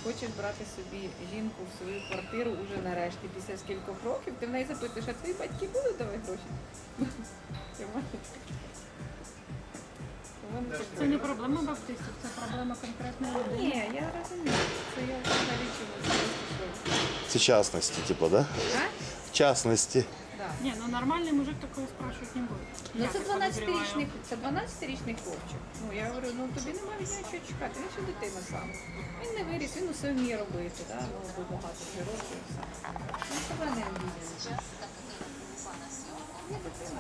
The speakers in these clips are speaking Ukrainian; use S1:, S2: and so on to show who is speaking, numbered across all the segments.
S1: хочеш брати собі жінку в свою квартиру уже нарешті, після скількох років, ти в неї запитуєш, а твої батьки будуть давати гроші?
S2: Це не проблема баптистів, це проблема конкретної людини.
S1: Ні, я розумію. Це я взагалі чомусь.
S3: Це частності, типу, да?
S1: А?
S3: В частності.
S1: Да.
S2: Ні, ну нормальний мужик такого спрашивать не буде.
S1: Ну
S2: Я
S1: це
S2: так
S1: 12-річний,
S2: подозріваю.
S1: це 12-річний хлопчик. Ну я говорю, ну тобі немає від нього чого чекати, він ще дитина сам. Він не виріс, він усе вміє робити, да? Ну, бо багато вже років і все. Він себе не обійде. Є дитина.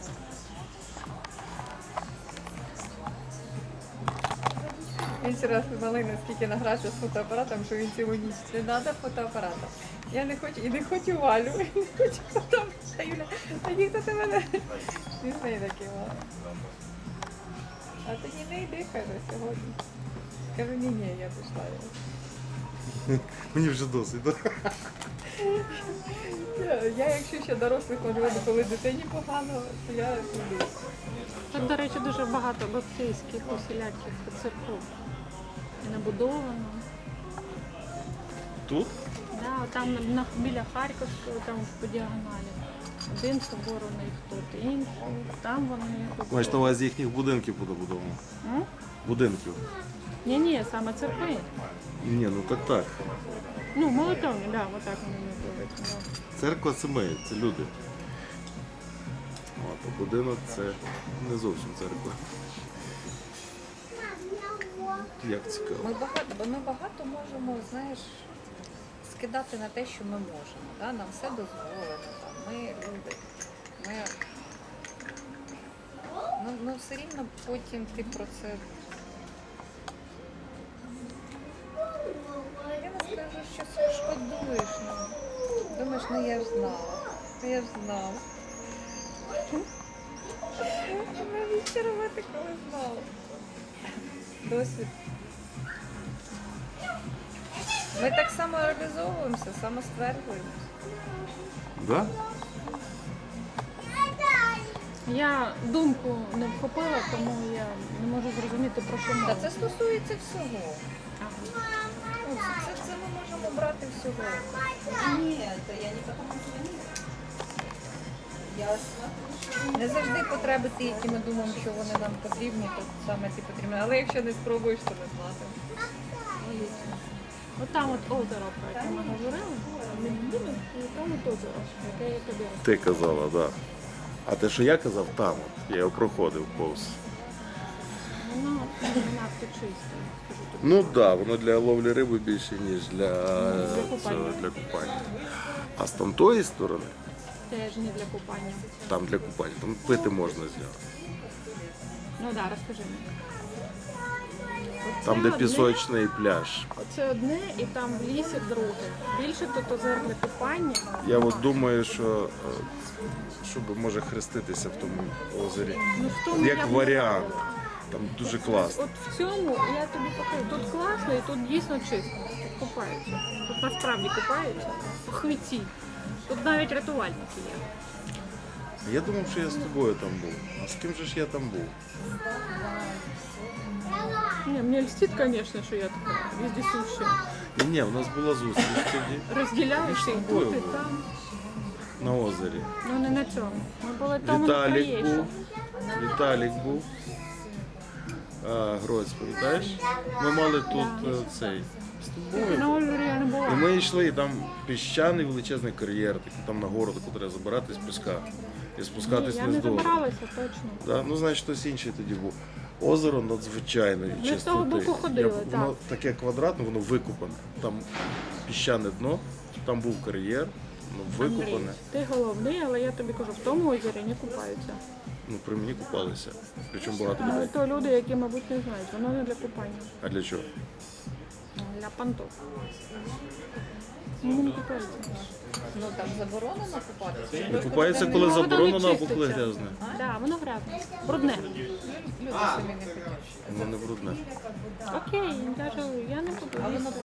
S1: Він вчора малий наскільки награвся з фотоапаратом, що він цілу ніч не треба фотоапарата. Я не хочу, і не хочу Валю, і не хочу фотоапарата. Юля, а ніхто ти мене не знає такий Валя. А тоді не йди, каже, сьогодні. Кажу, ні, я пішла.
S3: Мені вже досить, так?
S1: Я якщо ще дорослих можу, коли дитині погано, то я піду.
S2: Тут, до речі, дуже багато баптистських усіляких церков. І набудовано.
S3: Тут?
S2: Да, там біля Харківського, там по діагоналі. Один собор у них тут, інший. Там вони
S3: Маєш на увазі їхніх будинків буде будовано? Будинків.
S2: Ні, саме церкви.
S3: Ні, ну так.
S2: Ну, молитовні, да, отак вони називаються. Да.
S3: Церква це ми, це люди. От, а будинок це не зовсім церква. Як цікаво.
S1: Ми багато можемо, знаєш, скидати на те, що ми можемо. Да? Нам все дозволено. Там. Ми люди. Ну, все рівно потім ти про це. Я не скажу, що шкодуєш. Думаєш, ну я ж знала. Я ж знала. Навіщо робити, коли знала? Досвід. Ми так само реалізовуємося, самостверджуємося.
S3: Да?
S2: Я думку не вхопила, тому я не можу зрозуміти, про що
S1: Та
S2: мова.
S1: це стосується всього.
S2: Ага.
S1: Ну, це ми можемо брати всього. Ні, то я не тому що не завжди потреби ті, які ми думаємо, що вони нам потрібні, то саме ті потрібні. Але якщо не спробуєш, то не знати.
S2: От там от озеро, про яке ми говорили, ми будемо, і там от озеро, яке я тобі розповідала.
S3: Ти казала, так. Да. А те, що я казав, там от. Я його проходив повз.
S2: Воно не надто чисте, скажу тобі.
S3: Ну так, да, воно для ловлі риби більше, ніж для
S2: купання.
S3: для купання. А з тамтої сторони,
S2: Теж не для купання.
S3: там для купання, там пити можна з нього.
S2: Ну так, да, розкажи мені.
S3: Там, де
S2: Оце одне,
S3: пісочний пляж.
S2: Оце одне і там в лісі друге. Більше тут озер для купання.
S3: Я от думаю, що щоб може хреститися в тому озері.
S2: Ну, в тому я
S3: Як
S2: б
S3: варіант.
S2: не радила.
S3: Там дуже класно.
S2: От в цьому я тобі покажу. Тут класно і тут дійсно чисто. Тут купаються. Тут насправді купаються. По хвіті. Тут навіть рятувальники є.
S3: Я думав, що я з тобою там був. А з ким же ж я там був?
S2: Не, мне льстит, конечно, что я такая вездесущая.
S3: Ні, у нас була зустріч тоді
S2: Розділяєш і
S3: тобою
S2: тут, і
S3: були.
S2: там.
S3: на озері.
S2: Ну не на цьому. Ми були там на
S3: Віталік
S2: Троєщині.
S3: був. Віталік був. Гроць, пам'ятаєш? Ми мали тут цей з тобою.
S2: На озері я не
S3: І
S2: була.
S3: ми йшли, і там піщаний величезний кар'єр, такий там на гору, таку треба забирати з піска і
S2: Ні,
S3: спускатись
S2: я
S3: вниз
S2: не
S3: до озера.
S2: забиралася точно.
S3: Да? Ну, значить, хтось інший тоді був. Озеро надзвичайної
S2: Ми з того
S3: чистоти.
S2: боку ходили,
S3: Воно
S2: так.
S3: таке квадратне, воно викопане. Там піщане дно, там був кар'єр, воно
S2: Андрій,
S3: викопане.
S2: ти головний, але я тобі кажу, в тому озері не купаються.
S3: Ну, при мені купалися. Причому багато
S2: Але
S3: людей.
S2: то люди, які, мабуть, не знають, воно не для купання.
S3: А для чого?
S2: Для понтов. Ну, не купаються.
S1: Ну там заборонено купатися.
S3: Не купаються, коли
S2: Ну, воно не
S3: заборонено або коли
S2: чиститься.
S3: грязне.
S2: Так, да, воно грязне. Брудне.
S1: Люди самі не хочуть.
S3: Воно не брудне.
S2: Окей, я не буду.
S1: А воно